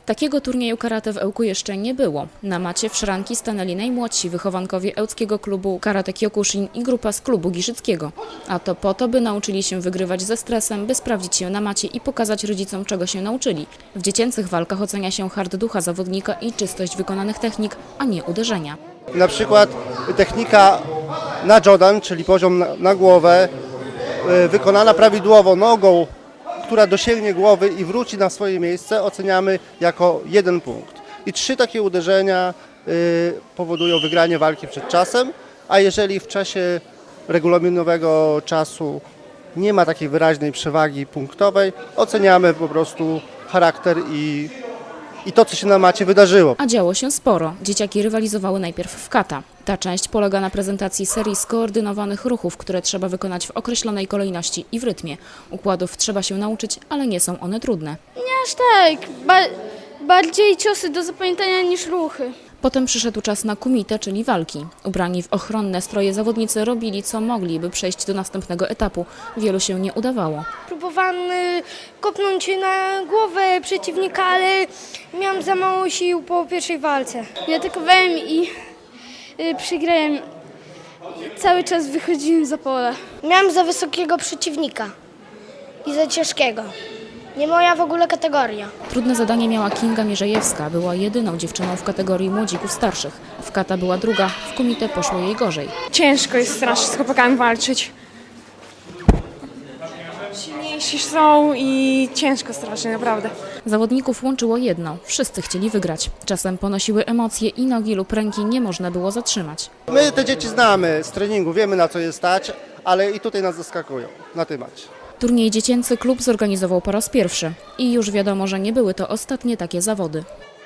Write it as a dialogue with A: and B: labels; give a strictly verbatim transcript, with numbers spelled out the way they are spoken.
A: Takiego turnieju karate w Ełku jeszcze nie było. Na macie w szranki stanęli najmłodsi wychowankowie Ełckiego Klubu Karate Kyokushin i grupa z klubu Giżyckiego. A to po to, by nauczyli się wygrywać ze stresem, by sprawdzić się na macie i pokazać rodzicom, czego się nauczyli. W dziecięcych walkach ocenia się hard ducha zawodnika i czystość wykonanych technik, a nie uderzenia.
B: Na przykład technika na Jodan, czyli poziom na, na głowę, yy, wykonana prawidłowo nogą, która dosięgnie głowy i wróci na swoje miejsce, oceniamy jako jeden punkt. I trzy takie uderzenia y, powodują wygranie walki przed czasem, a jeżeli w czasie regulaminowego czasu nie ma takiej wyraźnej przewagi punktowej, oceniamy po prostu charakter i, i to, co się na macie wydarzyło.
A: A działo się sporo. Dzieciaki rywalizowały najpierw w kata. Ta część polega na prezentacji serii skoordynowanych ruchów, które trzeba wykonać w określonej kolejności i w rytmie. Układów trzeba się nauczyć, ale nie są one trudne.
C: Nie aż tak, ba bardziej ciosy do zapamiętania niż ruchy.
A: Potem przyszedł czas na kumite, czyli walki. Ubrani w ochronne stroje zawodnicy robili co mogli, by przejść do następnego etapu. Wielu się nie udawało.
C: Próbowałam y, kopnąć na głowę przeciwnika, ale miałam za mało sił po pierwszej walce. Ja atakowałem i y, przegrałem. Cały czas wychodziłem za pole.
D: Miałam za wysokiego przeciwnika i za ciężkiego. Nie moja w ogóle kategoria.
A: Trudne zadanie miała Kinga Mierzejewska. Była jedyną dziewczyną w kategorii młodzików starszych. W kata była druga, w kumite poszło jej gorzej.
E: Ciężko jest strasznie z chłopakami walczyć. Silniejsi są i ciężko strasznie, naprawdę.
A: Zawodników łączyło jedno. Wszyscy chcieli wygrać. Czasem ponosiły emocje i nogi lub ręki nie można było zatrzymać.
B: My te dzieci znamy z treningu, wiemy na co je stać, ale i tutaj nas zaskakują na tymać.
A: Turniej dziecięcy klub zorganizował po raz pierwszy. I już wiadomo, że nie były to ostatnie takie zawody.